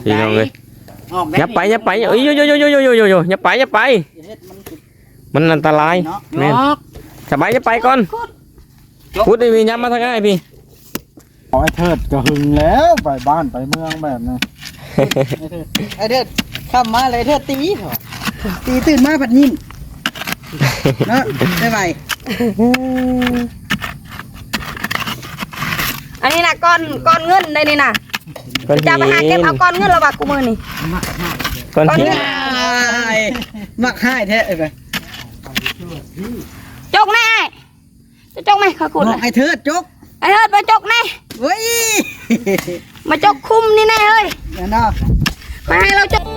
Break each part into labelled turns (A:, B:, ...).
A: พี่น้องเลยอย่าไปเอ้ยโยอย่าไปมันอันตรายแม่นสบายจะไปก่อนพูดได้มีย้ำมาทางไหนพี่
B: ไอ้เทิดก็หึงแล้วไปบ้านไปเมืองแบบนี้
C: ไอ้เทิดข้ามมาเลยเทิดตีเหรอตีตื่นมาผัดยิ้มเนาะได้ไหม
D: อันนี้นะก้อนเงินได้นี่นะจะไปหาเก็บเอาก้อนเงินระบาดกูมือนี่
A: ก้อนหิน
C: มักให้แท้ไป
D: จกแน่จะจกไหมข้าคุณ
C: ไอ้เทิดจก
D: ไอ้เทิดมาจกแน่
C: เฮ้ย
D: มาจกคุ้มนี่แน่เฮ้ย
C: เนาะ
D: มาให้เราจก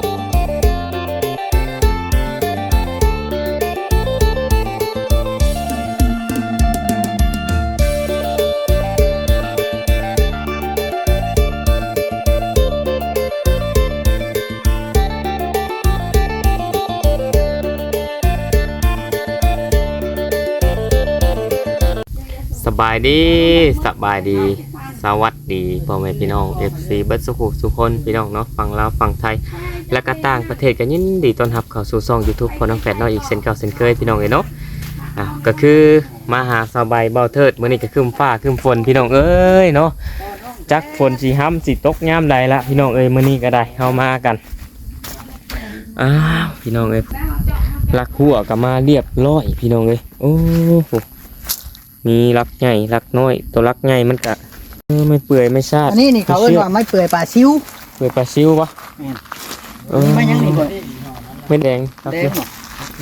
A: สบายดีสวัสดีพ่อแม่พี่น้อง FC เบิร์ดสุขคนพี่น้องเนาะฝั่งลาวฝั่งไทยและก็ต่างประเทศกันยินดีต้อนรับเข้าสู่ช่อง YouTube พอน้องแฟดเนาะอีกเช่นเก่าเช่นเคยพี่น้องเนาะก็คือมาหาสบายเบาเทิดมื้อนี้ก็คืมฟ้าคืมฝนพี่น้องเอ้ยเนาะจักฝนสิห้ำสิตกยามใดละพี่น้องเอ้ยมื้อนี้ก็ได้เฮามากันพี่น้องเอ้ยลักหัวก็มาเรียบร้อยพี่น้องเอ้ยโอ้โหมีรักใหญ่รักน้อยตัวรักใหญ่มันกะไม่เปื่อยไม่ชาด
C: อันนี้เขาเรียกว่าไม่เปื่อยปลาซิว
A: เปื่อยปลาซิวปะ
C: ไม่ยังนี่บ่
A: ไม่แดง
C: แดงหรอ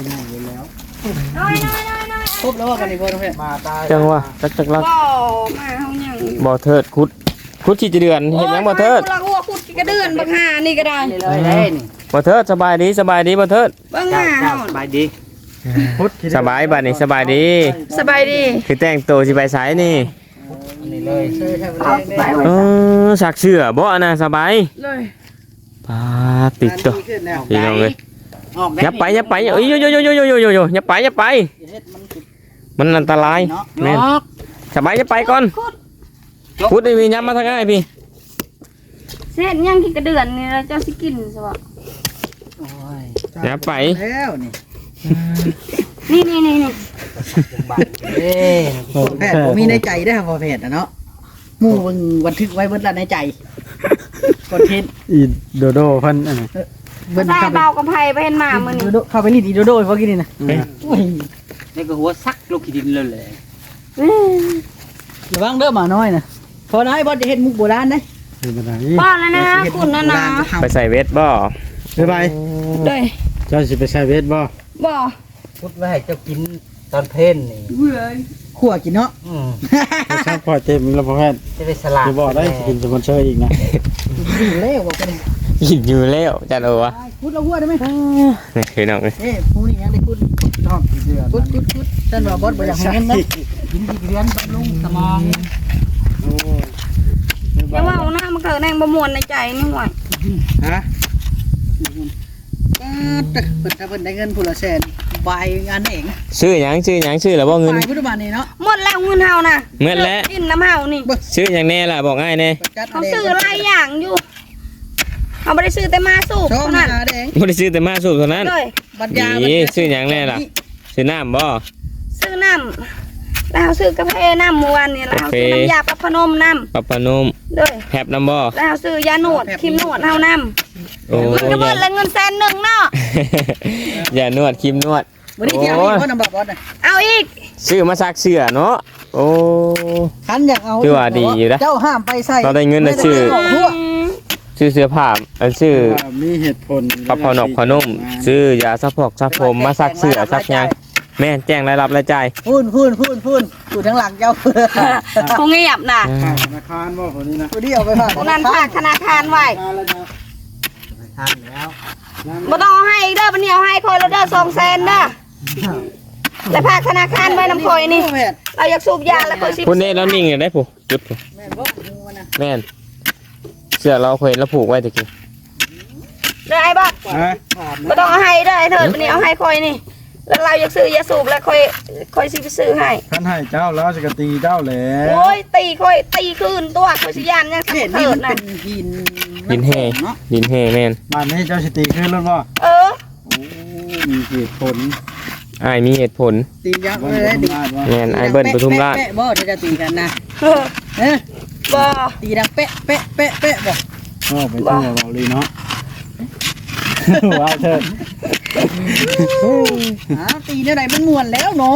C: ครบแล้วว่ากันนี่บ่ต้องเฮ็ดมาตาย
A: จังว่าจักรัก
D: บ่มาเฮายัง
A: บ่เทิดคุดที่จะเดือนเห็นยังบ่เทิด
D: คุดกระเดือนบักหานี่ก็ได้
C: เลยนี่
A: บ่เทิดสบายดีบ่เทิด
D: บักหาเฮา
C: สบายดี
A: สบายบัดนี้สบายดีคือแต่งตัวสิไปไสนี่
C: นี่เลยซื้อแท้
A: สักเสื้อบ่น่ะสบาย
D: เลย
A: ปาติดตัวพี่น้องเอ้ยอย่าไปเอ้ยโยอย่าไปมันอันตรายแม่นสบายจะไปก่อนพูดได้มีย้ำมาทางไหนพี่
D: เส้นยังที่กระเดือนนี่เราจะสิกินใช่ป่ะ
A: อย่าไป
C: แล้วนี่แพทย์ผมมีในใจได้ครับพอแพทย์นะเนาะหมู่บันทึกไว้เบิดละในใจคอนเทนต์
B: อีโดโดเพิ่นอัน
D: นั้นได้เบากระไพไปเห็นมามื้อนี้
C: เข้าไปรีดอีโดโดพอกินนี่นะ
E: นี่ก็หัวซักลูกขี้ดินเลยแหละ
C: ระวังเด้อหมาน้อยนะพอน้อยบ่จะเฮ็ดมุกโบราณเด้
D: บ่แล้วนะคุณนะ
A: ไปใส่เวทบ่
B: ไป
D: ด้วย
B: เจ้าสิไปใส่เวทบ่
E: พุดไว้ให้เจ้ากินตอนเพลนนี่
C: ขั่วกินเนาะ
B: ชอบพอเต็มแล้วพ่อแพทย์
E: จะได้สลัด
B: จะบอกได้กินสปอนเซอร์อีกนะ
C: อยู่แล้วบอกกัน
A: อยู่แล้วจัดเอาวะ
C: พุดเราหัวได้ไหม
A: นี่คือน้อง
C: พูดอย่างนี้พุดชอบเดือดพุดท่านว่าบอสบ่อยากเห็นนะกินดีเรียนบำรุงสมอง
D: อย่าว่าหน้ามันเกิดแรงประมวลในใจนี่ห่วย
C: ฮะเปิดได้เงินผู้ละแสนใบงานเอง
A: ซื้อหยังแล้วบ่เงิน
C: พุทธบาลนี่เนาะ
D: หมดแล้วเงินเฮานะ
A: เงินแล้ว
D: กินน้ำเฮานี่
A: ซื้ออย่างแน่ล่ะบอกง่ายแน่
D: เขาซื้อหลายอย่างอยู่เขาไม่ได้ซื้อแต่มาสูบเท่านั้น
A: ไม่ได้ซื้อแต่มาสูบเท่านั้นนี่ซื้ออย่างแน่ล่ะซื้อน้ำบ่
D: ซื้อน้ำแล้วซื้อกาแฟน้ำมวนนี่แล้วซื้อน้ำยาปับพนมน้ำ
A: ปับพนม
D: ด้วย
A: แผบน้ำบ่
D: แล้วซื้อยาหนวดครีมหนวดเฮาน้ำมันก็เบิดละเงิน100,000เนาะ
A: ยานวดครีมนวด
C: วันนี้เที่ยวนี่พ่อนำบอส
D: เอาอีก
A: ซื้อมาซักเสื้อเนาะโอ้
C: คันอยากเอา
A: คือว่าดีอยู่นะ
C: เจ้าห้ามไปใส่
A: เราได้เงินนะซื้อเสื้อผ้าซื้อ
B: มีเหตุผล
A: ปับพนมขนมซื้อยาซักพอกซักผมมาซักเสื้อซักยังแม่แจ้งรายรับรายจ่าย
C: พูนอยู่ทั้งหลังเจ้า
D: คงเงียบนะ
B: ธนาคารว่าคนนี้นะ
C: คนนี้เอาไปฝาก
D: นั่นฝากธนาคารไว้บ่ต้องให้อีกเด้อบัดนี้เอาให้คอยเราเด้อ200,000เด้อแล้วฝากธนาคารไว้นำคอยนี่เราอยากสูบยาแล้วคอยสิ
A: คุณเน่แล้วนิ่งได้ผู้จุดผู้แม่นเสื้อเราเคยแล้วผูกไว้ตะกี้
D: ได้บ่บ่ต้องเอาให้เด้อไอ้เถิดบัดนี้เอาให้คอยนี่แล้วเราอยากซื้อยาสูบแล้วค่อยสิไปซื้อให้
B: ท่านให้เจ้าแล้วจะกตีเจ้าแหละ
D: โอ้ยค่อยตีคืนตัวค่อยสิยานยังสัก
C: เห็น
D: เถิ
C: นี่
D: ด
C: มัน
D: นะ
C: เป็นหิน
A: ดินแห่
C: เนาะ
A: ดินแห่แม่น
B: บ้านนี้เจ้าสิตีขึ้นรถบ่
D: เออ
B: โอ้มีเหตุผล
A: อ้ายมีเหตุผล
C: ตียักษ์
B: ว่า
C: เลยดิ
B: ว่า
A: แม่นอ้ายเบิ้ลปทุมราช
C: แปะบ่จะตีกันนะ
D: เออ
C: เอ๊ะ
D: บ่
C: ตีดังเป๊ะเป๊ะเป๊ะเป๊ะบ่
B: ก็ไปทั่วเราเลยเนาะว้าวเถิด
C: ตีเท่าไหร่มันม่วนแล้วเนาะ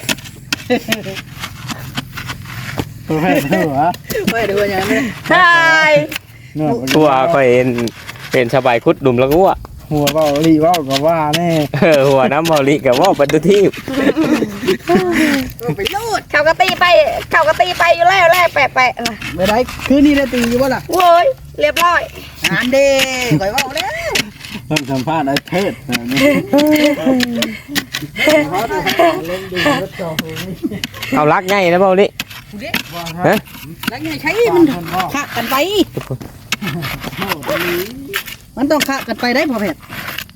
B: ตัวแพทย์เถอะวะ
C: ไปดูอย่างนี้
D: ใช่
B: เนื้อ
A: กูว่าก็เป็นสบายคุดดุมแล้วกูอ่ะ
B: หัวเบาลีว่าก็ว่าแน่
A: หัวน้ำเบาลิกับว่าปัตตุที่
C: ไปลูด
D: เขาก็ตีไปอยู่แล้วแปะๆนะ
C: ไม่ได้คืนนี้ได้ตีอยู่บ่ล่ะ
D: โว้ยเรียบร้อย
C: งานเด้ก่อยว่าแล้ว
B: เริ่มสัมภาษณ์ไอ้เทิดนะนี่
A: เอารักง่ายนะเบาลิ ฮะ
C: แล้วไงใช้มันขะกันไปมันต้องขะกันไปได้พ่อเพชร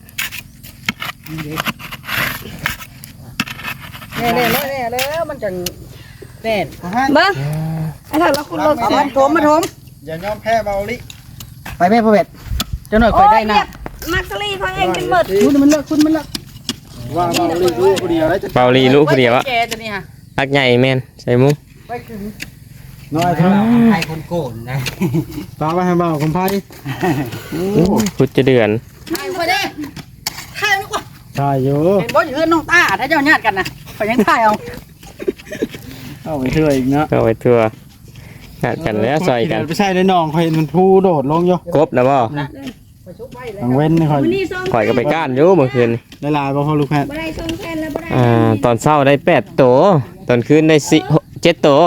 C: แน่แล้วมันจังแน่น
D: เบิ้งไอ้เถิดเราคุณรถ
C: เอามาถม
B: อย่ายอมแพ้เบาลี
C: ไปแม่พ่อเพชรเจ้าหน่อยคอยได้นะ
D: มักซลี่พังเองเป็นหมด
C: คุณมันเลิกคุณมันเลิก
B: ว่าเบาลีรู้คนเดียวแล้วจะ
A: เบาลิรู้คนเดียวอะ
C: แกตัวนี้ฮะ
A: รักใหญ่แม่นใส่มุ้ง
C: ไปถึง
B: น้อยเท่า
E: ใครคนโกนนะ
B: ตามไปให้เบาคุณพาย
A: คุดจะเดือน
C: ใช่ไปได้ถ่ายดีกว่า
B: ใช่อยู่
C: เห็นบ่อยู่เฮือนน้องตาถ้าเจ้าญาติกันนะไปยังถ่ายเอา
B: เอาไปเชื่ออีกเนาะ
A: ก็ไปทัวร์งัดกันแล้วซอยกัน
B: ไปใช่ในหนองคอยมันพูโดดลงอยู่
A: กบนะบ่
B: ทางเว้นคอย
D: วันนี้ส่ง
A: ข่อยก็ไปก้านอยู่เมื่อคืน
B: ได้ลายบ่พอลูกแพทย์
D: บ่ได้ส่งแทนแล้วบ่ได้
A: ตอนเช้าได้8ตัวตอนคืนได้7ตัว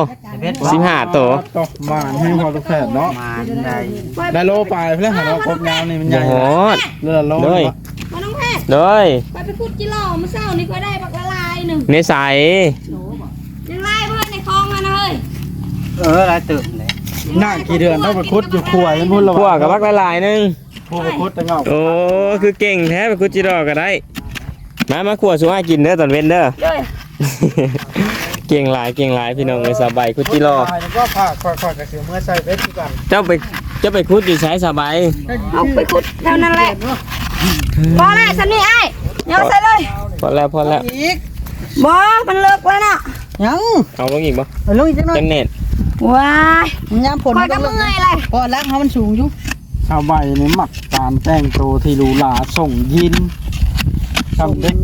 A: 15ตัว
B: ตกบ้านให้พอลูกแพทย์เนาะ
E: มาได้
B: ได้โลปลายเพื่อนหาเราครบยาวนี่มันให
A: โอ้
B: ญ่
A: โห
B: เลือดโล
A: เลย
D: มาน้องแพทย์
A: เลย
D: ไปขุดจิโร่มื้อเช้านี่ก็ได้บักละลายหนึ่ง
A: ในใส
D: ยังไล่เพื่อนในคลองมันเฮ้ย
E: ลายตึกเลย
B: หน้ากี่เดือนต้องไปคุดอยู่ขวายมันพุ่นละ
A: พวกกับบักหลายๆนึง
B: พวกไปคุดแต่เงา
A: โอ้คือเก่งแท้ไปคุดจิรอก็ได้มาขวดสุอากินเด้อตอนเว้นเด้อ
D: เลย
A: เก่งหลายพี่น้องเลยสบายคุดจิรอ
B: แล้วก็ฝากกับเสือเมื่อใส่เวทก่อน
A: เจ้าไปคุดอยู่ใช้สบาย
D: เอาไปขุดเท่านั้นแหละพอแล้วสันนี่ไอ้ยังใส่เลย
A: พอแล้ว
C: อีก
D: บ่มันเลิกแล้วน่ะ
C: ยัง
A: เอาลงอีกบ่
C: เอาลงอีกจังหน่อย
A: จังเน็ต
D: ว้าย
C: มันยามผล
D: คอยก็เมื่อยเลย
C: เพราะรักเขามันสูงอยู่
B: ชาวใบนี่หมักการแต่งตัวที่หรูหราส่งยินทำเด็ก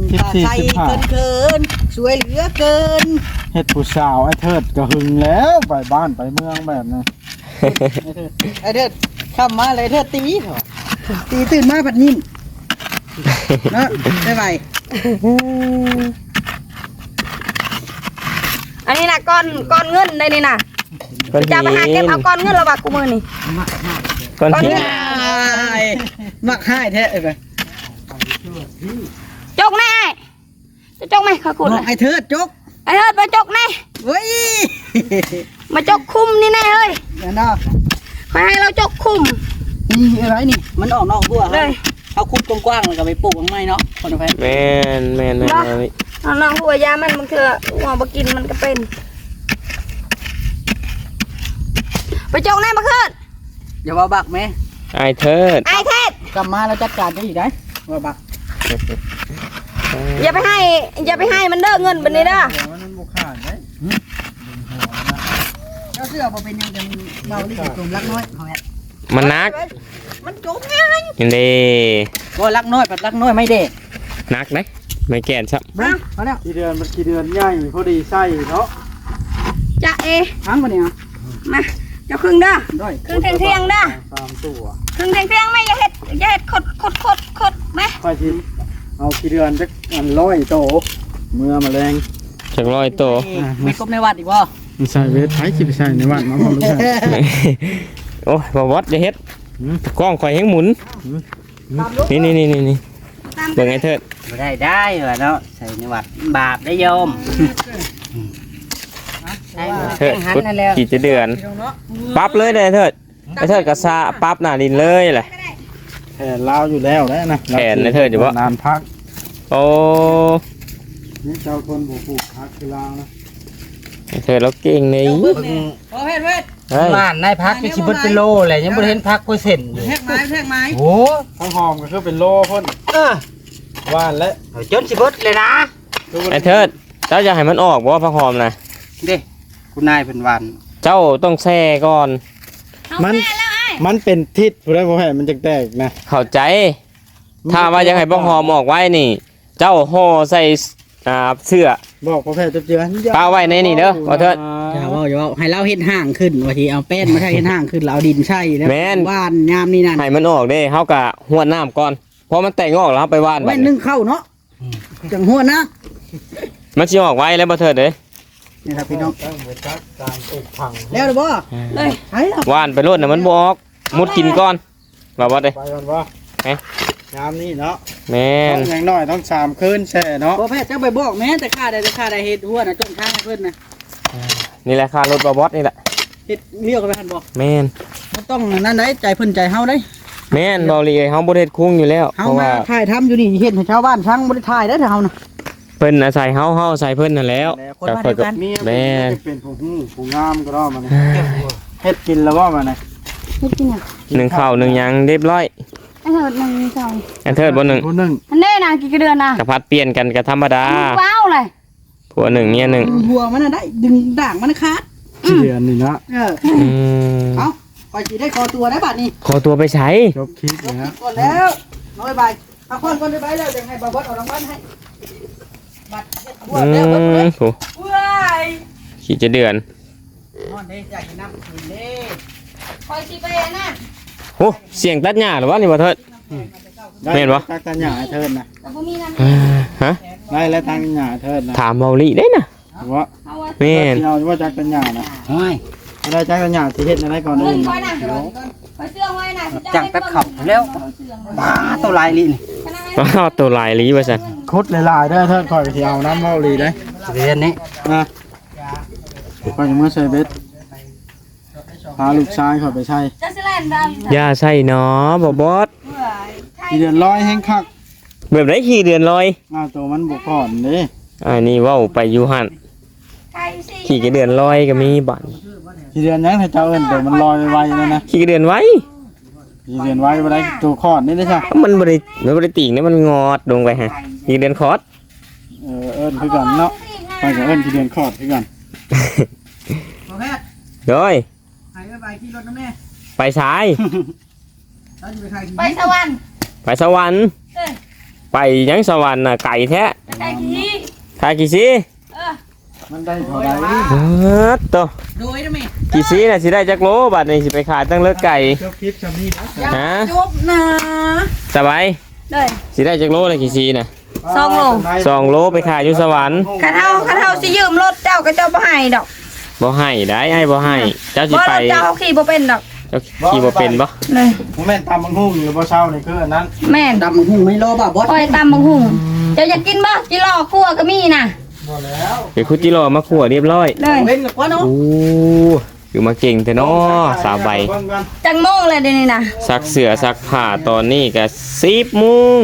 B: 14
C: เกินสวยเหลือเกิน
B: 15เฮ็ดผู้สาวไอ้เทิดก็หึงแล้วไปบ้านไปเมืองแบบนี้
C: ไอ้เถิดข้ามมาเลยเถิดตีเถอะตีตื่นมาผัดนิ่มเนาะได้ไหม
D: อันนี้น่ะก้อนเงินได้นี่น่ะ
A: ก้อน
D: จะ
A: หิ
D: ไปหาเก็บ
A: น
D: เอาก้อนเงินระบาดกูมือนี่
A: ก้อนหิน
C: มักให้แท้เลย
D: จกแน่จะจกไหมเขาขุด
C: บ
D: เล
C: อก
D: ย
C: ไอ้เถิดจก
D: ไอ้เถิดมาจกแน่
C: เว้ย
D: มาจกคุมนี่แน่เฮ้ย
C: เดี๋ยวเนาะ
D: คอยให้เราจกคุม
C: นี่อะไรนี่ มันออกนอกบัว
D: เลย
C: เอาคุดกว้างๆแล้วก็ไปปลูกข้างในเนาะคนละแพน
A: แม่น
D: น้องหัวยามันคือหัวบกินมันก็เป็นไปจกแน่มาขึ้น
C: อย่าว่าบักไหม
A: ไอเทิด
D: ไอ้เทศ
C: กลับมาแล้วจัดการจะอีกได้ว่าบัก
D: อย่าไปให้มันเด้อเงินบันนี้เด้อ
B: มันบุกขาดได้
C: เจ้าเสื้อบ่เป็นยังจะเบาลี่กับกลุ่มรักน้อยเอาแหละ
A: มันนัก
C: มันจกง่าย
A: นี่เด้
C: ว่ารักน้อยปัดรักน้อยไม่เด็
A: นักไหมไม่แก่นซับ
C: บ้าเอาแล้ว
B: กี่เดือนมันกี่เดือนใหญ่พอดีใส่เนาะ
D: จะเอ
C: ทั้งมาเนี่ย
D: มาเจ้าครึ่งเด้อ
C: ด้วย
D: ครึ่งเที่ยงเด้อ
B: 3ตัว
D: ครึ่งเที่ยงไหมอย่าเฮ็ดขดไหม
B: ไปชิมเอากี่เดือนจักอัน100โตเมื่อมาแรง
A: จากร้อยโต
C: ไม่กบในวัดอีกบ่
B: มันใส่เวทไผสิไปใส่ในวัดมาพอลูกแพทย์
A: โอ้ยบวัดจะเฮ็ดกล้องคอยให้หมุนนี่เบิ่งไอเทิด
E: ไม่ได้เหรอเนาะใส่ในวัดบาปได้โยมใช่
A: เทิด
E: หัน
A: พุทธ
E: นั่นแล้ว
A: กี่จะเดือนปั๊บเลยเด้อไอเทิดไอเทิดกระซาปั๊บหน้าดินเลยแหละ
B: แผนลาวอยู่แล้วนะ
A: แผนในเทิดอยู่บ่
B: นานพัก
A: โอ้
B: นี่เจ้าคนบ่ปลูกผักคือลาวนะ
A: เธอเราเก่งนี่
C: เจ้าเบิ่งนี่พอเฮ็ดเว้ย
A: เฮ้ย
E: บ้านนายพักก็สิเบิดเป็นโลแหละยังบ่เห็นพักกล้วยเส้นอยู่
C: แทกไม้แทกไม้
E: โอ้
B: ข้าวหอมก็คือเป็นโลพ่น
E: เออ
B: ว่านและ
E: เอาจนสิเบิดเลยนะ
A: ไอ้เทิดเจ้าจะให้มันออกบ่ผักหอมนะ
E: เด้คุณนายเพิ่นหวาน
A: เจ้าต้องแช่ก่อน
B: มันเป็นทิศผู้ใดบ่ให้มันจะแตกนะ
A: เข้าใจ ถ้าว่าอยากให้ผักหอมออกไว้นี่ เจ้าห่อใส่เสื้อ
B: บอกพ่อแพทย์เจือ
A: ป้าไว้ในนี่เด้อว่าเถิด
C: อย่าเว้าให้เราเฮ็ดห่างขึ้นว่าทีเอาแป้นมาใช้เฮ็ดห่างขึ้นเราเอาดินใช่แล้ว
A: แม่น
C: ว่านยามนี่นั่น
A: ให้มันออกเด้เฮากะหวดน้ำก่อนพอมันแตกออกแล้วเฮาไปว่านบั
C: ไว้
A: ด
C: นึ่
A: นี้
C: งเข้าเนาะจังหัวนะ
A: มันสิออกไว้แล้วบ่เถิดเด้
C: นี่ครับพี่น้อง
B: ตั้งไว้จักการปลูกผัง
C: แล้วหรือบ่
D: เลย
C: ไอ้ครับ
A: ว่านไปโลดน่ะมันบ่ออกมุดกินก่อนว่าบ่เด้
B: ไปกันบ่
A: เอ๊ะ
B: ยามนี้เนาะ
A: แม่น
B: ต้องอย่างน้อยต้อง3คืนแช่เนาะ
C: บ่แพทย์เจ้าไปบอกแม่แต่ค่าได้เฮ็ดหัวน่ะจนทางให้เพิ่นน่ะ
A: นี่แหละค่ารถบ่บอสนี่แหละ
C: เฮ็ดเรียกกันไปหั่นบ่
A: แม่น
C: บ่ต้องนั่นได้ใจเพิ่นใจเฮาได้
A: แม่นเบาหลีเฮาบ่ได้เฮ็ดคุ้งอยู่แล้ว
C: เฮา
A: เพราะ
C: มา
A: ว่า
C: ถ่ายทำอยู่นี่เฮ็ดให้ชาวบ้านช่างบ่ได้ถ่ายได้อเฮาน่ะ
A: เพิ่นอาศัยเฮาอาศัยเพิ่นนั่นแล้ว
C: คนบ้านเดียวกัน
B: มี
A: แม่
B: เป็นผู้ฮู้ผู้งามก็รอมาเนี่ยเฮ็ดกินแล้วบ่มาเนี่ย
D: ไม่กินอ่ะ
A: หนึ่งข้าวหนึ่งหยังเรียบร้อย
D: ไอ้เถิดหนึ่งสอง
A: อันเทิดบ่หนึ่ง
B: ผู้หนึง
D: อันนี้นะกี่เดือนนะ
A: กะพัดเปลี่ยนกันก็ธรรมดา
D: ว้าวเลย
A: ผัวหนึ่งเมียหนึ่ง
C: หัวมันน่ะได้ดึงด่างมันขาด
B: เดือนนี่นะ
C: เออ
A: อืม
C: เอาไปสิได้คอตัวได้บัดนี้
A: ขอตัวไปใช้
B: จบคลิปนะฮะ
C: ก่อนแล้วน้อยใบเอาคนก่อนได้ใบแล้วจะให้บ่าวบดเอารางวัลให้บัตรเฮ็ดหัว
A: อื
C: แล้วเบิดเลย
A: มโห
C: ว้าย
A: ขี่จะเดือน
C: นอนเด้อยากกินน้ำกินเด้
D: คอยสิไปนะ
A: โหเสียงตัดหญ้าหรือวะนี่บ่เทิด แม่นบ่
B: ตักตันหญ้าให้เทิดนะ
D: แต่บ่มีน้ำ
A: อ่าฮะ
B: ได้แล้วตักตันหญ้าให้เทิดนะ
A: ถามเบาหลีได้นะ
B: ว่า
D: เอาไว้
A: แม่น
B: ที่เราว่าจักตันหญ้านะ
E: โอ้ย
B: ได้จักตันหญ้าที่เฮ็ดอะไรก่อน
D: เงิ
B: อื่
D: น
B: น
D: คอยนะคอยเสื้อไว้นะ
E: จังตัดขับแล้วปลาตัวลายลินี่
A: อ้าวตัวลายหลีว่าซั่น
B: คุดหลายๆเด้อเทิดข่อยสิเอาน้ำเมาหลีได้
E: เรียนนี้
B: นะข่อยจะมาใส่เบ็ดพาลูกชายข่อยไปใช้
D: จะสิแลนด
A: อย่าใส่เนาะบ่บอส
B: ทีเดือนร้อยแห้งคัก
A: แบบไหนขี่เดือนลอย
B: ตัวมันบ่ก่อนเด้
A: อันนี้เว้าไปอยู่หั่น
D: ไก่สิ
A: ขี่กระเดือนลอยก็มีบัด
B: ทีเดือนยังให้เจ้าเอิ้นตัวมันลอยไวๆนั่นนะ
A: ขี่กระเดือนไว้
B: ทีเดือนไว้บ่ได้ตัวคลอดนี่ได้ใช่
A: มันบ่ได้ติ่งเนี่ยมันงอดลงไปฮะขี่กระเดือนคอด
B: เอิ้นคือกันเนาะไปกับเอิ้นทีเดือนคลอดคือกัน
C: บ่แพทย์
A: โดย
C: ให้ใบขี่รถน้ำแม่
A: ไปสาย
C: เราจะไปถ่าย
D: ไปสวรรค์
A: ไปสวรรค์
D: เอ้ย
A: ไปยังสวรรค์น่ะไก่แท้
D: ไปไก่ขี้
A: ทากี่ซี
B: มันได้เท่าใด
A: ตัว
C: โดยนะแม่
A: กี่ซีน่ะสิได้จักโลบัดนี้สิไปขายตั้งเลิกไก่
B: เจ้าคลิปชำนี้นะ
A: ฮะ
C: จบนะ
A: สบาย
D: เลย
A: สิได้จักโลเลยกี่ซีน่ะ
D: สองโล
A: 2 โลไปขายอยู่สวรรค์
D: คันเฮาสิยืมรถเจ้าก็เจ้าบ่ให้ดอก
A: บ่ให้ได้ไอ้บ่ให้เจ้าสิ
D: บ่
A: ไป
D: รถเจ้าขี่บ่เป็นดอก
A: เจ้าขี่บ่เป็นบ่
D: เลย
B: ผมแม่นตามบังฮู้อยู่บ่เช้านี่คืออันนั้น
D: แม่น
C: ดำหุ่งไม่รอบ่าวบด
D: คอยตำบักหุ่งเจ้าอยากกินบ่จิรอคั่วก็มีน่ะ
B: บ่แล้ว
A: เดี๋ยวคุจิโร่มาขั่วเรียบร้อย
D: เลย
C: เว้นกับว่าเนาะ
A: โอ้คือมาเก่งแต่น้อสาวใบ
B: เบิ่งกัน
D: จังโมงเลยเดี๋ยวนี้น่ะ
A: ซักเสื้อซักผ้าตอนนี้ก็10 โมง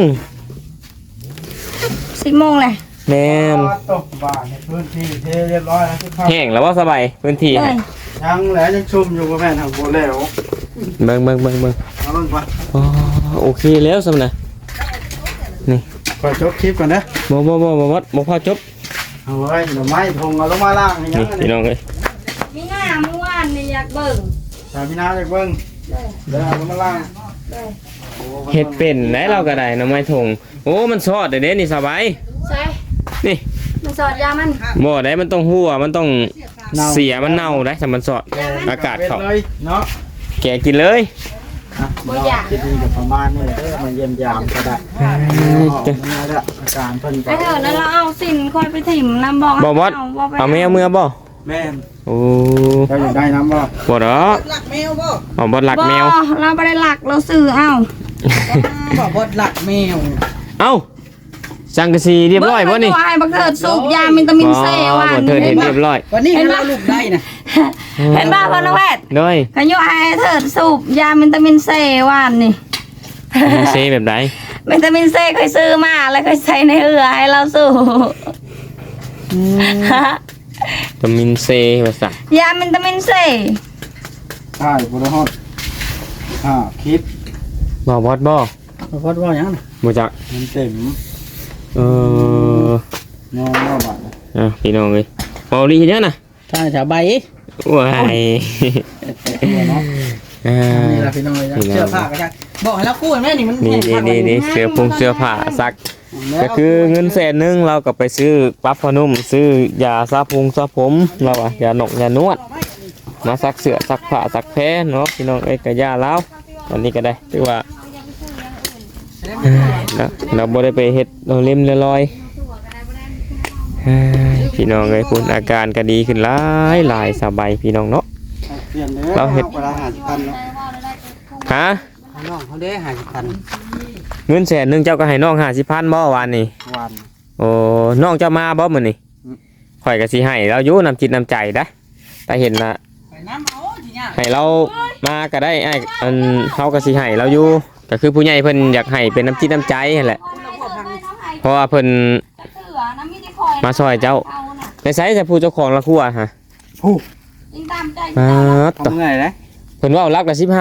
D: 10 โมงเลย
A: แม่น
B: ตกบ้านในพื้นที่เทเรียบร้อยแล้วทุกท่าน
A: แห้งแล้วว่าสบายพื้นที่
D: เล
A: ฮะ
D: ย
B: ยังแหละยังชุ่มอยู่บ่แม่นทางบ่แล้ว
A: เบิ่ง
B: เอาเบิ่งก่อน
A: อ๋อโอเคแล้วสำนะนี่
B: ข่อยจบคลิปก่อนเด้อ
A: บ่พอจบ
B: เอาไว้หน่อไม้ทงเอาลงมาล่างนี่ยัง
A: นี่
B: อัน
A: พี่
B: นี้
A: น้องเอ้ย
D: มีหน้าเมื่อวานนี่อยากเบิ่ง
B: สามีนาจากเบิ่ง
D: เลย
B: เดี๋ยวเอาลงมาล่าง
D: เลย
A: เฮ็ดเป็นได้เราก็ได้หน้ำไม้ทงโอ้มันซอดเด้นี่สบาย
D: ใช่
A: นี่
D: มันสอดยามัน
A: บ่ได้มันต้องหัวมันต้องเสียมันเน่าได้ถ้ามันซอดอากาศเข้า
B: เลยเนาะ
A: แกะกินเลย
D: บ่อยาก
B: คิดดีกับประมาณนี้เด้อมาเยี่ยมยามก็ได้นี่แหละอาการเพิ่น
D: ไอ้เถอะแล้วเราเอาสินคอยไปถิ่มน้ำบอก
A: บ่บอส
D: ไป
A: เอาแมวเมื่อบ่
B: แม่น
A: โอ้
B: เจ้าอยากได้น้ำบ่
A: บ่ดอก
C: หลักแมวบ่
A: เอาบ่หลักแมว
D: บ่เราไม่ได้หลักเราซื้อเอา
C: บ่าวบดหลักแมว
A: เอ้าสังกะสีเรียบร้อยบ่นี่
D: เบิ่งให้บักเถิดสูบยาวิตามินซีวัน
A: บ่เธอเห็นเรียบร้อย
C: วันนี้เราลูกได้นะ
D: เห็นบ้าพ่อน้องแพทย์
A: ด้วย
D: ขยุให้เถิดสูบยาวิตามินซีวันนี่
A: เซแบบใด
D: วิตามินซีเคยซื้อมาแล้วเคยใส่ในเอือให้เราสูบ
A: วิตามินซีว่าซะ
D: ยาวิตามินซี
B: ใช่บ่ได้ฮอดคลิป
A: บ่บอดบ่
C: พอดว่าหยังน่ะ
A: บ่จัก
B: มันเต็ม
A: เออ
B: งอว่าบาด
A: พี่น้องเอ้ยเมาลีเฮ็ดหยังน่ะ
C: ถ้าแถวใบ
A: ว้ายอ่า
C: นี่ล่ะพี่น้องเลยนะเสื้อผ้าก็จักบอกให้เรากู้แม่นี่มัน
A: นี่เสื้อผงเสื้อผ้าซักก็คือเงิน100,000เราก็ไปซื้อปลั๊บผ้านุ่มซื้อยาสระผมสระผมเราอะยาหนกยานวดมาซักเสื้อซักผ้าซักแพ้เนาะพี่น้องเอ้ยก็ยาแล้วอันนี้ก็ได้ถือว่าเราบ่ได้ไปเฮ็ดเราเล่มลอยพี่น้องเอ้ยคุณอาการก็ดีขึ้นหลายสบายพี่น้องเนาะ
B: เปลี่ยนเด้อ
A: เราเฮ็ด
B: เวลา50,000เนาะ
A: ฮะ
E: น้องเขาได้50,000
A: เงิน100,000เจ้าก็ให้น้อง50,000บ่วานนี่
B: วัน
A: โอ้น้องเจ้ามาบ่มื้อนี้ข่อยก็สิให้เราอยู่น้ำจิตน้ำใจได้แต่เห็นละ
C: ไปน้ำเอาทีเนี้ย
A: ให้เรามาก็ได้ไอ้อันเฮาก็สิให้เราอยู่ก็คือผู้ใหญ่เพิ่นอยากให้เป็นน้ำจิตน้ำใจนั่นแหละเพราะว่าเพิ่นมาซอยเจ้าในไสจะผู้เจ้าของละครัวฮะ
B: ผู้
A: ต่อ
B: ทำไงนะ
A: เพิ่นว่ารักละ15,000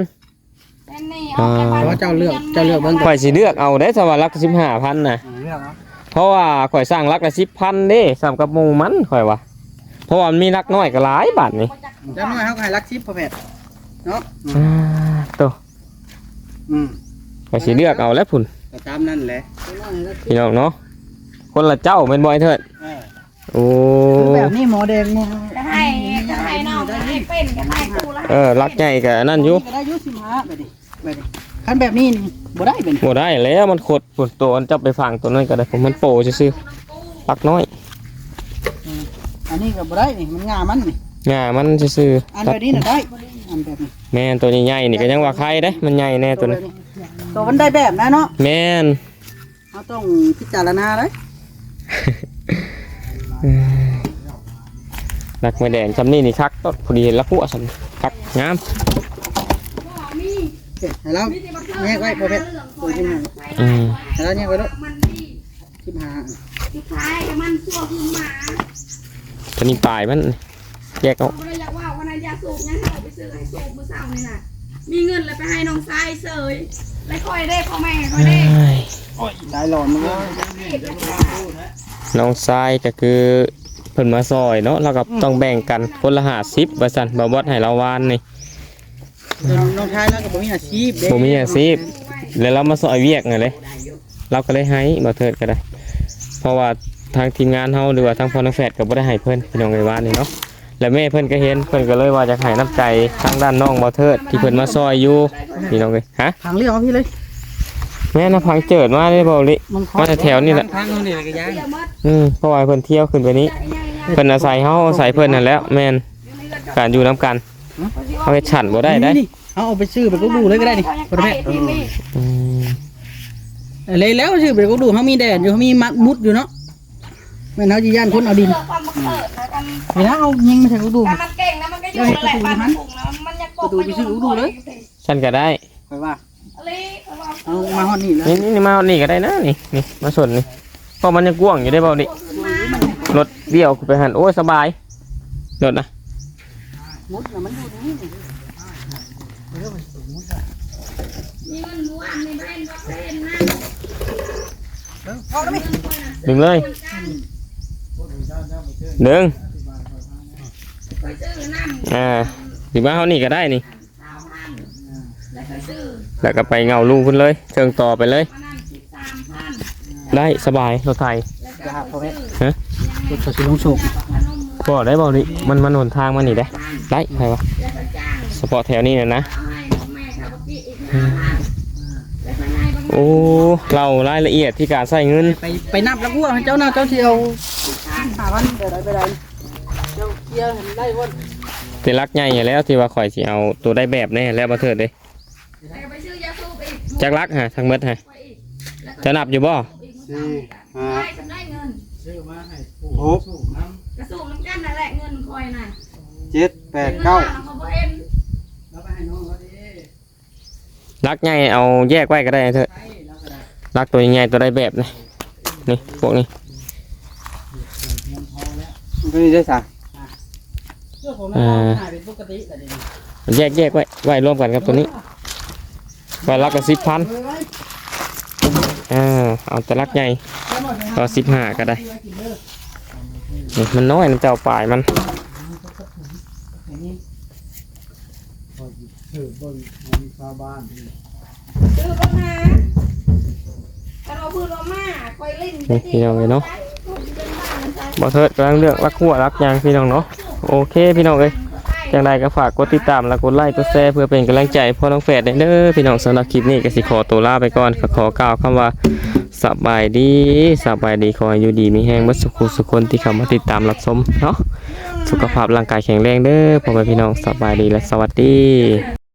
C: เพราะว่าเจ้าเลือกเบิ่ง
A: ข่อยสิเลือกเอาได้ถ้าว่ารักละ15,000น่ะ
B: เรื่องเนาะ
A: เพราะว่าข่อยสร้างรักละ10,000เด้สำกับหมู่มันข่อยว่าเพราะว่ามันมีรักน้อยก็หลายบาทนี่
C: เจ้าน้อยเขาก็ให้รักชิปพ่อแพทย์เนาะ
A: ตัว
B: อืม
A: ข่อยสิเลือกเอาแล้วพุ่น
B: ก็ตามนั่นแหละ
A: พี่น้องเนาะคนละเจ้าเป็นบ่อยเถิดโอ้
C: คือแบบนี้หมอแดงหมอ
D: จะให้น้องจะให้เป็นจะให้กูแล้ว
A: รักใหญ่กับนั่นอยู่
C: ก็ได้อยุ15แบบนี้คันแบบนี้นี่บ่ได้เป็น
A: บ่ได้แล้วมันขดปวดตัวมันจับไปฝังตัวนั้นก็ได้ผมมันโปซื่อๆรักน้อย
C: อันนี้ก็บ่ได้นี่มันงามันนี่
A: งามันซื่อ
C: อันแบบนี้น่ะได้อันแบบนี้
A: แม่นตัวใหญ่ๆนี่ก็ยังว่าใครเด้มันใหญ่แน่ตัวนี้
C: ตัวมันได้แบบนะเนาะ
A: แม่น
C: เราต้องพิจารณาเลย
A: รักไม่แดงจำนี่นี่คักต้นพอดีเห็นละหัวสันคักงาม
C: ให้เราแยกไว้พ่อแพทย์ตัวที่มัน
A: อืม
C: ให้เราแยกไว้แล้ว
D: มันดี
C: 15
D: สุดท้ายมันชั่วคือหมา
A: ตัวนี้ปลายมันแยกเอา
D: เราเลยอยากว่าวันนั้นยาสูบงั้นเราไปซื้อให้สูบมื้อเช้านี่น่ะมีเงินเลยไปให้น้องชายเสยแล้วค่อยได้พ่อแม่ค่อยได้
C: ได้หลอนมันเลย
A: น้องทรายก็คือเพิ่นมาซอยเนาะเราก็ต้องแบ่งกันคนละ50ว่าซั่นบ่บดให้เราวานนี่
C: น้องชายแล้วก็บ่มีอาชีพเด้
A: ผมมีอาชีพแล้วเรามาซอยเวียกไงเลยเราก็เลยให้บ่เทิดก็ได้ เพราะว่าทางทีมงานเฮาหรือว่าทางพ่อน้องแฝดก็บ่ได้ให้เพิ่นพี่น้องไอ้ว่านี่เนาะแล้วแม่เพิ่นก็เห็นเพิ่นก็เลยว่าจะให้น้ำใจทางด้านน้องบ่เทิดที่เพิ่นมาซอยอยู่พี่น้องเอ้ยฮะ
C: ทางเลี้ยวพี่เลย
A: แม่น่ะพังเจิดมาได้บ่ลิมาแต่แถวนี่แหละ
E: ทางนู้นนี่ก็ยัง
A: เพราะว่าเพิ่นเที่ยวขึ้นไปนี้เพิ่นอาศัยเฮาอาศัยเพิ่นนั่นแหล้วแม่นการอยู่นํกันเฮาเฮ็ดฉันบ่ได้ได้
C: นี่เอาไปซื้อไปก็ดูเลยก็ได้นี่พ่อแพทย์
A: อืม
C: เลยแล้วซื้อไปก็ดูเขามีแดดอยู่เขามีมัดมุดอยู่เนาะแม่นเฮาสิย่านคนเอาดิน
D: ความบังเกิดนะกัน
C: เวลาเอายิงมาใส่ก็ดู
D: การมันเก่งนะมันก็อยู่นั่นแหละบ้านมันถูกนะมันยังปก
A: ฉันก็ได้
C: ไปว่า
D: อะไร
C: เอามาฮอดนี่แล้ว
A: นี่มานี่ก็ได้นะนี่มาสนนี่เพราะมันยังกว้างอยู่ได้เปล่านี่รถเดี่ยวไปหันโอ้ยสบายรถนะ
C: มุดน่ะมันอยู่ตรงนี้
D: มีเงินม้วนมีแบนวัคซีนนะ
C: เอาแล้วมั้ย
A: ดึงเลยดึง
D: ไปซื้อน้ำ
A: ถึงมาเขานี่ก็ได้นี่
D: 3,000แล้วไปซื้อ
A: แล้วก็ไปเงาลูกคุณเลยเชิงต่อไปเลย
D: มานั่ง13,000
A: ได้สบายรถไทย
C: จะหาพ่อแพทย์
A: ฮะ
C: รถสิลงโศก
A: ก็ได้เปล่านี่มันหนทางมานี่ได้ได้ใครวะเฉพาะแถวนี้นะ
D: เอาให้แม่เขาไปอีก5,000แล้วไปให้บ้าง
A: โอ้เรารายละเอียดที่การใส่เงิน
C: ไปนับแล้วกูว่าเจ้าหน้าเจ้าสิเอา5,000เดี๋ยวได้ไปได้เจ้าเคลียร์ให้ได้บ่
A: เป็นรักใหญ่อยู่แล้วที่ว่าข่อยสิเอาตัวได้แบบแน่แล้วมาเถิดเลย
D: แล้วก็ไปซื้อยาสูบอีก
A: จักรักฮะทั้งเบิดฮะ
D: ไปอีกแล้วก็
A: จะนับอยู่บ่
D: อีกมื้อเช้าได้ฉันได้เงิน
B: 6
D: กระสูบน้ำกันนั่นแหละเงินคอยน่ะ
B: 7 8 9
D: เขาบ่เห็น
A: รักใหญ่เอาแยกไว้ก็ได้เถอะรักตัวใหญ่ตัวได้แบบนี่นี่พวกนี้
E: ตัวนี้ได้ซะ
C: เสื้อผมน่ะหายเป็นปกติแต่เดี๋ยวนี้
A: แยกไว้รวมกันครับตัวนี้ไว้ลักละ10,000เอาแต่ลักใหญ่ก็15ก็ได้นี่มันน้อยนะเจ้าปลายมัน
B: ถือเบิ่งของชาวบ้านนี่
D: ซื้อรถมาถ้าเราพูดว่ามาคอยเล่น
A: นี่พี่น้องเลยเนาะบ่เถิดกำลังเลือกลักหัวลักยางพี่น้องเนาะโอเคพี่น้องเอ้ยจังใดก็ฝากกดติดตามและกดไลค์กดแชร์เพื่อเป็นกำลังใจพ่อน้องแฝดเด้อพี่น้องสำหรับคลิปนี้ก็สิขอตัวลาไปก่อนขอกล่าวคำว่าสบายดีขอให้อยู่ดีมีแห้งเบิดสุขคนที่เข้ามาติดตามรับชมเนาะสุขภาพร่างกายแข็งแรงเด้อพ่อแม่พี่น้องสบายดีและสวัสดี